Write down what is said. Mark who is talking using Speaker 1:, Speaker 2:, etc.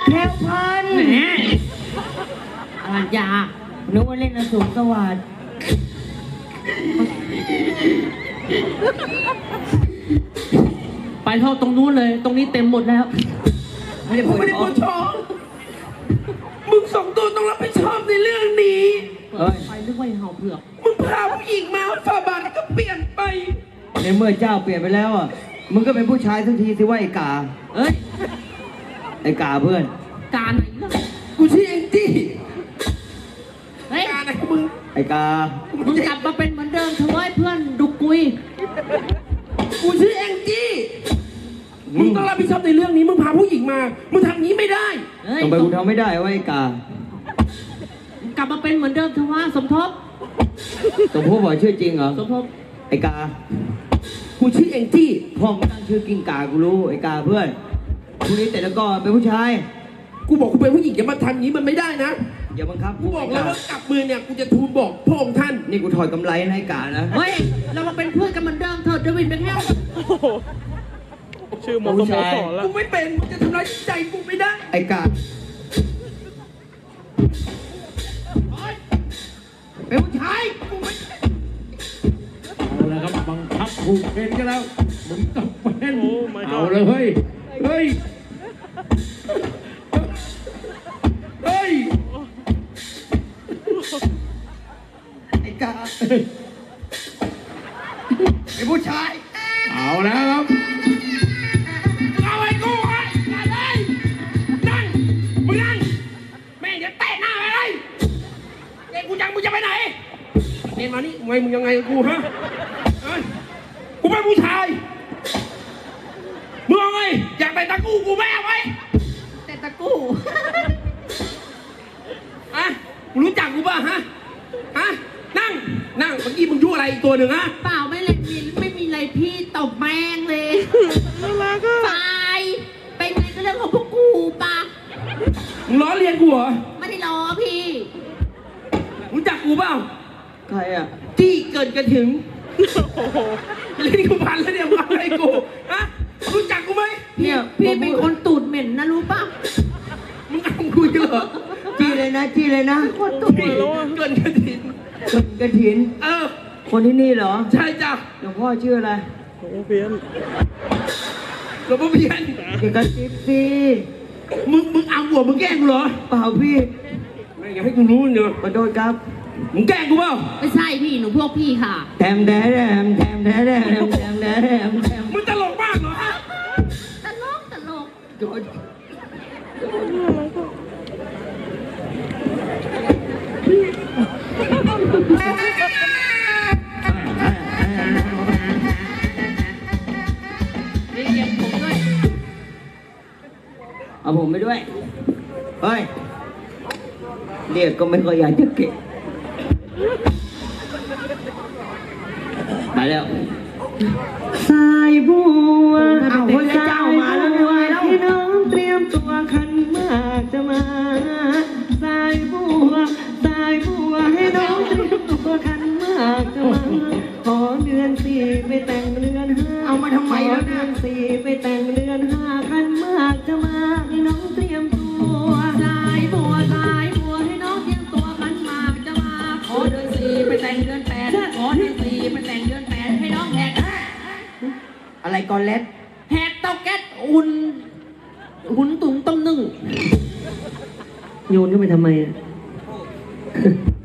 Speaker 1: แพรวพันธุ์
Speaker 2: แหมอรัญญา
Speaker 1: นึกว่าเล่นอสูรสวัสดิ์
Speaker 2: ไปเท่าตรงนู้นเลย ตรงนี้เต็มหมดแล้ว
Speaker 1: ไม่ได้
Speaker 3: กูไม่ได้ปวดท้องมึงสองตัวต้องรับผิดชอบในเรื่องนี้
Speaker 1: เอ้ย
Speaker 2: ไปนึกว่าเห่าเผือก
Speaker 3: มึงพาผู้หญิงมาฝาบาทก็เปลี่ยนไป
Speaker 1: ในเมื่อเจ้าเปลี่ยนไปแล้วอ่ะมึงก็เป็นผู้ชายสักทีสิว่าไอ้กา
Speaker 2: เอ้ย
Speaker 1: ไอ้กาเพื่อน
Speaker 2: การไหนล่ะ
Speaker 3: กูชื่อแองจี้
Speaker 2: เฮ้ย
Speaker 3: การอะไรของมึง
Speaker 1: ไอ้กา
Speaker 2: มึงกลับมาเป็นเหมือนเดิมเถอะเว้ยเพื่อนดุกกุย
Speaker 3: กูชื่อแองจี้มึงต้องรับผิดชอบในเรื่องนี้มึงพาผู้หญิงมามึงทำงี้ไม่ได้
Speaker 2: เฮ้ย
Speaker 1: ทำไมกูทำไม่ได้ว่าไอ้กาก
Speaker 2: ลับมาเป็นเหมือนเดิมเถอะว่าสมทบ
Speaker 1: สมพูดบอกชื่อจริงเหรอ
Speaker 2: สมทบ
Speaker 1: ไอ้กา
Speaker 3: กูชื่อแองจี้
Speaker 1: พ่อมึงตั้งชื่อกิ้งกากูรู้ไอ้กาเพื่อนพรุ่งนี้แต่ละก่อนเป็นผู้ชาย
Speaker 3: กูบอกกูเป็นผู้หญิงอย่ามาทำงี้มันไม่ได้นะ
Speaker 1: อย่าบังคับ
Speaker 3: กูบอกแล้วว่ากลับมือเนี่ยกูจะทูลบอกพระองค์ท่าน
Speaker 1: นี่กูถอดกำไรให้กานะ
Speaker 2: เฮ้ย เรามาเป็นเพื่อนกันเหมือนเดิมเถอะเดวิดเป็นแค่
Speaker 4: ชื่อมอสโมสอนแล้ว
Speaker 3: กูไม่เป็นมึงจะทำร้ายจิตใจกูไม่ได้
Speaker 1: ไอ้กาเป็นผู้ชาย
Speaker 3: กูไม่
Speaker 5: เอาละครับบังคับผูกเข็นกันแล้วมึงต้องเป็น
Speaker 4: โอ้ my god
Speaker 5: เอาเลยเฮ้ยเฮ้ยเฮ้ย
Speaker 1: ไอ้กาเป็นผู้ชาย
Speaker 5: เอาแล้วครับ
Speaker 3: เอาไอ้กูไอ้มาเลยนั่งมึงนั่งแม่งจะเตะหน้าไปเลยเด็กกูจังมึงจะไปไหนเน้นมานี่มึงยังไงกับกูฮะเอ้ยกูเป็นผู้ชายมึงเอาไงอยากไปตะกู้กูแม่ไว้
Speaker 2: แต่ตะกู้
Speaker 3: อะมึงรู้จักกูป่ะฮะนั่งเมื่อกี้มึงยุ่อะไรอีกตัวหนึ่งฮะ
Speaker 2: เปล่าไม่เลยไม่มีอะไรพี่ตบแม่งเลย
Speaker 4: น่ารักอ่ะ
Speaker 2: ไปเป็นไงก็เรื่องของพวกกูปะ
Speaker 3: มึงล้อเลียนกูเหรอ
Speaker 2: ไม่ได้ล้อพี่
Speaker 3: รู้จักกูเปล่า
Speaker 1: ใครอ่ะ
Speaker 3: ที่เกิดกันถึง
Speaker 4: โอ้โห
Speaker 3: เล่นกูพันแล้วเนี่ยมึงอะไรกูฮะรู้จักกูไหม
Speaker 1: เนี่ย
Speaker 2: พี่เป็นคนตูดเหม็นนะรู้ปะ
Speaker 3: มึงเอากูอีกเหรอ
Speaker 1: จี้เลยนะจี้เลยนะ
Speaker 2: คนตูดเหม็น
Speaker 3: เกินกันถึง
Speaker 1: คนกระถิน
Speaker 3: เออ
Speaker 1: คนที่นี่เหรอ
Speaker 3: ใช่จ้ะ
Speaker 1: หลวงพ่อชื่ออะไร
Speaker 4: โอ้โหเพี้ยน
Speaker 3: หลวงพ่อเพียน
Speaker 1: เกี่ยวกับจิ๊บสิ
Speaker 3: มึงเอาหัวมึงแกล้งกูเหรอ
Speaker 1: เปล่าพี่
Speaker 3: ไม่อยากให้กูรู้เนอะ
Speaker 1: ขอโทษครับ
Speaker 3: มึงแกล้งกูเปล่า
Speaker 2: ไม่ใช่พี่หนูพวกพี่ค่ะ
Speaker 1: แถมแดมแถมแดมแถมแดมแถมแดมแถม
Speaker 3: มึงตลกมากเหรอฮะ
Speaker 2: ตลกตลก
Speaker 1: โดน
Speaker 2: เรียกผมด้วย
Speaker 1: เอาผมไปด้วย เฮ้ย เรียกก็ไม่ค่อยอยากจะเก็บมาแล้ว สายบัวเอาคนละเจ้ามาแล้วไงแล้วพี่น้องเตรียมตัวขันหมากจะมา สายบัวให้น้องเตรียมตัวขันหมากจะมา ขอเดือนสี่ไปแต่งเดือนห้าเอามาทำไมแล้วเดือนสี่ไปแต่งเดือนห้าขันหมากจะมาให้น้องเตรียมตัว
Speaker 2: สายบัวให้น้องเตรียมตัวมันมากจะมาขอเดือนสี่ไปแต่งเดือนแปดขอเดือนสี่ไปแต่งเดือนแปดให้น้องแหก
Speaker 1: อะไรก่อนเล็ด
Speaker 2: แหกเตาแก๊สหุ่นตุ๋งต้มนึ่ง
Speaker 1: โยนขึ้นไปทำไมอะ